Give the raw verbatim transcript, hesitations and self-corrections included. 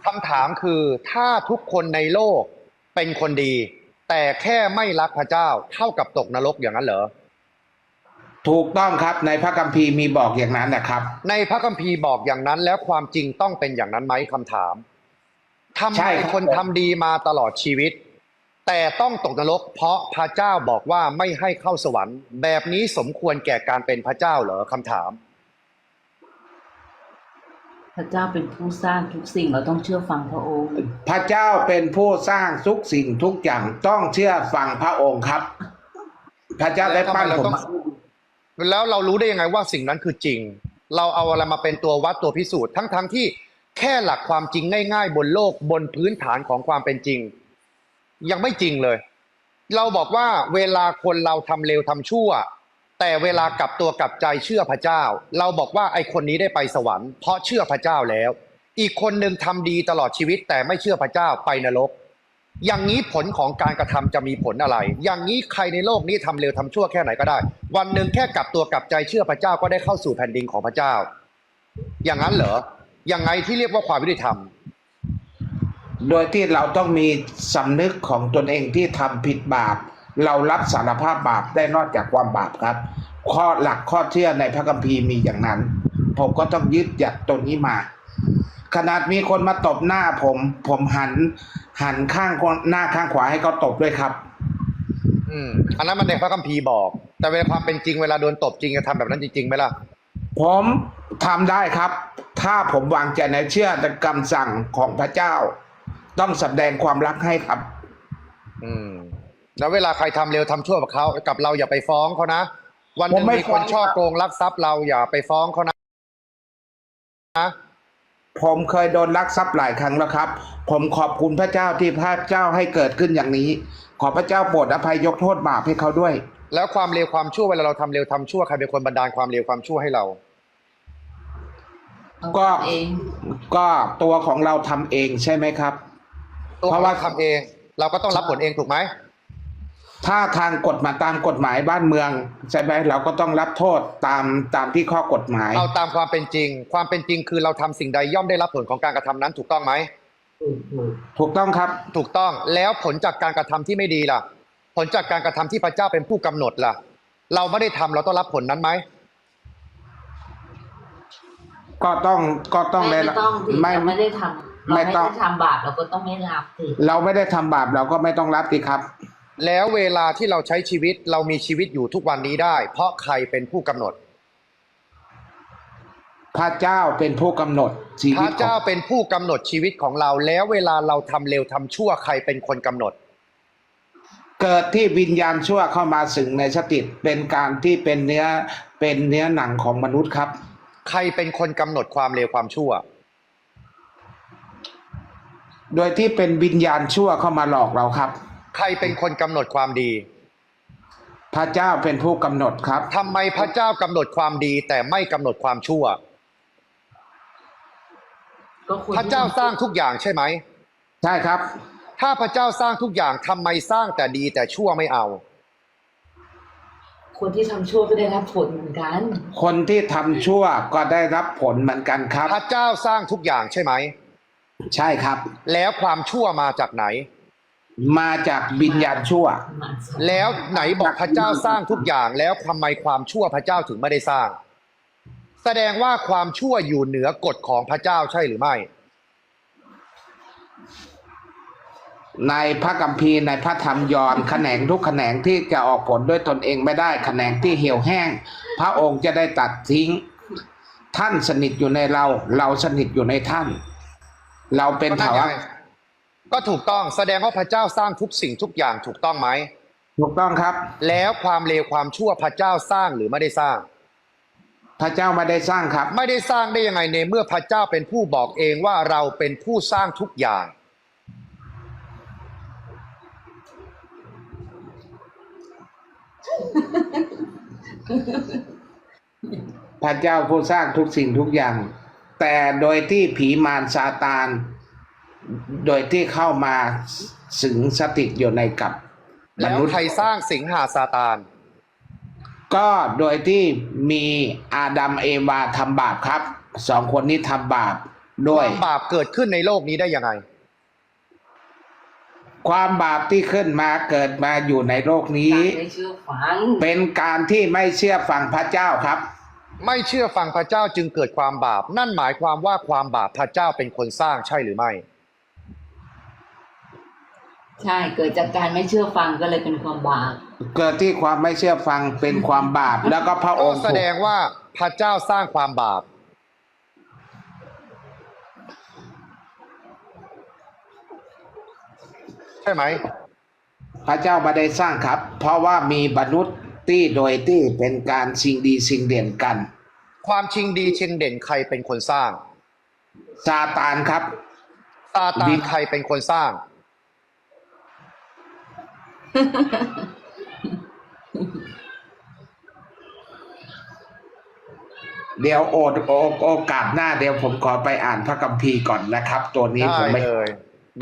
คำถามคือถ้าทุกคนในโลกเป็นคนดีแต่แค่ไม่รักพระเจ้าเท่ากับตกนรกอย่างนั้นเหรอถูกต้องครับในพระคัมภีร์มีบอกอย่างนั้นนะครับในพระคัมภีร์บอกอย่างนั้นแล้วความจริงต้องเป็นอย่างนั้นไหมคำถามทำไมใช่ครับคนทำดีมาตลอดชีวิตแต่ต้องตกนรกเพราะพระเจ้าบอกว่าไม่ให้เข้าสวรรค์แบบนี้สมควรแก่การเป็นพระเจ้าเหรอคำถามพระเจ้าเป็นผู้สร้างทุกสิ่งเราต้องเชื่อฟังพระองค์พระเจ้าเป็นผู้สร้างทุกสิ่งทุกอย่างต้องเชื่อฟังพระองค์ครับพระเจ้าได้ปั้นผมแล้วเรารู้ได้ยังไงว่าสิ่งนั้นคือจริงเราเอาอะไรมาเป็นตัววัดตัวพิสูจน์ทั้งๆ ทที่แค่หลักความจริงง่ายๆบนโลกบนพื้นฐานของความเป็นจริงยังไม่จริงเลยเราบอกว่าเวลาคนเราทำเลวทำชั่วแต่เวลากลับตัวกลับใจเชื่อพระเจ้าเราบอกว่าไอ้คนนี้ได้ไปสวรรค์เพราะเชื่อพระเจ้าแล้วอีกคนหนึ่งทำดีตลอดชีวิตแต่ไม่เชื่อพระเจ้าไปนรกอย่างนี้ผลของการกระทำจะมีผลอะไรอย่างนี้ใครในโลกนี้ทำเลวทำชั่วแค่ไหนก็ได้วันหนึ่งแค่กลับตัวกลับใจเชื่อพระเจ้าก็ได้เข้าสู่แผ่นดินของพระเจ้าอย่างนั้นเหรอยังไงที่เรียกว่าความยุติธรรมโดยที่เราต้องมีสำนึกของตนเองที่ทำผิดบาปเรารับสารภาพบาปได้นอกจากความบาปครับข้อหลักข้อเชื่อในพระคัมภีร์มีอย่างนั้นผมก็ต้องยึดหยัดตรงนี้มาขนาดมีคนมาตบหน้าผมผมหันหันข้างหน้าข้างขวาให้เขาตบด้วยครับอืมอันนั้นมันในพระคัมภีร์บอกแต่เวลาความเป็นจริงเวลาโดนตบจริงจะทำแบบนั้นจริงๆไหมล่ะผมทำได้ครับถ้าผมวางใจในเชื่อในคำสั่งของพระเจ้าต้องแสดงความรักให้ครับอืมแล้วเวลาใครทำเร็วทำชั่วกับเขากับเราอย่าไปฟ้องเขานะวันหนึ่งมีคนช่อโกงลักทรัพย์เราอย่าไปฟ้องเขานะผมเคยโดนลักทรัพย์หลายครั้งแล้วครับผมขอบคุณพระเจ้าที่พระเจ้าให้เกิดขึ้นอย่างนี้ขอพระเจ้าโปรดอภัยยกโทษบาปให้เขาด้วยแล้วความเร็วความชั่วเวลาเราทำเร็วทำชั่วใครเป็นคนบันดาลความเร็วความชั่วให้เราก็เองก็ตัวของเราทำเองใช่ไหมครับเพราะว่าทำเองเราก็ต้องรับผลเองถูกไหมถ้าทางกฎหมายตามกฎหมายบ้านเมืองใช่ไหมเราก็ต้องรับโทษตามตามที่ข้อกฎหมายเอาตามความเป็นจริงความเป็นจริงคือเราทำสิ่งใดย่อมได้รับผลของการกระทำนั้นถูกต้องไหมถูกต้องครับถูกต้องแล้วผลจากการกระทำที่ไม่ดีล่ะผลจากการกระทำที่พระเจ้าเป็นผู้กำหนดล่ะเราไม่ได้ทำเราต้องรับผลนั้นไหมก็ต้องก็ต้องไม่ต้องไม่ไม่ได้ทำเราไม่ได้ทำบาปเราก็ต้องไม่รับสิเราไม่ได้ทำบาปเราก็ไม่ต้องรับสิครับแล้วเวลาที่เราใช้ชีวิตเรามีชีวิตอยู่ทุกวันนี้ได้เพราะใครเป็นผู้กำหนดพระเจ้าเป็นผู้กำหนดชีวิตพระเจ้าเป็นผู้กำหนดชีวิตของเราแล้วเวลาเราทำเร็วทำชั่วใครเป็นคนกำหนดเกิดที่วิญญาณชั่วเข้ามาสิงในสติเป็นการที่เป็นเนื้อเป็นเนื้อหนังของมนุษย์ครับใครเป็นคนกำหนดความเร็วความชั่วโดยที่เป็นวิญญาณชั่วเข้ามาหลอกเราครับใครเป็นคนกำหนดความดีพระเจ้าเป็นผู้กำหนดครับทำไมพระเจ้ากำหนดความดีแต่ไม่กำหนดความชั่วพระเจ้าสร้างทุกอย่างใช่ไหมใช่ครับถ้าพระเจ้าสร้างทุกอย่างทำไมสร้างแต่ดีแต่ชั่วไม่เอาคนที่ทำชั่วก็ได้รับผลเหมือนกันคนที่ทำชั่วก็ได้รับผลเหมือนกันครับพระเจ้าสร้างทุกอย่างใช่ไหมใช่ครับแล้วความชั่วมาจากไหนมาจากวิญญาณชั่วแล้วไหนบอกพระเจ้าสร้างทุกอย่างแล้วทำไมความชั่วพระเจ้าถึงไม่ได้สร้างแสดงว่าความชั่วอยู่เหนือกฎของพระเจ้าใช่หรือไม่ในพระคัมภีร์ในพระธรรมยอห์นแขนงทุกแขนงที่จะออกผลด้วยตนเองไม่ได้แขนงที่เหี่ยวแห้งพระองค์จะได้ตัดทิ้งท่านสนิทอยู่ในเราเราสนิทอยู่ในท่านเราเป็นเถาวัลย์ก็ถูกต้องแสดงว่าพระเจ้าสร้างทุกสิ่งทุกอย่างถูกต้องไหมถูกต้องครับแล้วความเลวความชั่วพระเจ้าสร้างหรือไม่ได้สร้างพระเจ้าไม่ได้สร้างครับไม่ได้สร้างได้ยังไงในเมื่อพระเจ้าเป็นผู้บอกเองว่าเราเป็นผู้สร้างทุกอย่างพระเจ้าผู้สร้างทุกสิ่งทุกอย่างแต่โดยที่ผีมารซาตานโดยที่เข้ามาสิงสถิตอยู่ในกับมนุษย์แล้วใครสร้างสิงหาซาตานก็โดยที่มีอาดัมเอวาทำบาปครับสองคนนี้ทำบาปด้คว วามบาปเกิดขึ้นในโลกนี้ได้ยังไงความบาปที่ขึ้นมาเกิดมาอยู่ในโลกนี้การไม่เชื่อฟังเป็นการที่ไม่เชื่อฟังพระเจ้าครับไม่เชื่อฟังพระเจ้าจึงเกิดความบาป นั่นหมายความว่าความบาปพระเจ้าเป็นคนสร้างใช่หรือไม่ใช่เกิดจากการไม่เชื่อฟังก็เลยเป็นความบาปเกิดที่ความไม่เชื่อฟังเป็นความบาป แล้วก็พระอก็งค์แสดงว่าพระเจ้าสร้างความบาป ใช่ไหมพระเจ้าไม่ได้สร้างครับ เพราะว่ามีมนุษย์ที่โดยที่เป็นการสิ่งดีสิ่งเด่นกันความชิงดีชิงเด่นใครเป็นคนสร้างซาตานครับซาตาวินใครเป็นคนสร้างเดี๋ยวโอดโอโอกาสหน้าเดี๋ยวผมขอไปอ่านพระคัมภีร์ก่อนนะครับ ตัวนี้ได้ผมไม่เลย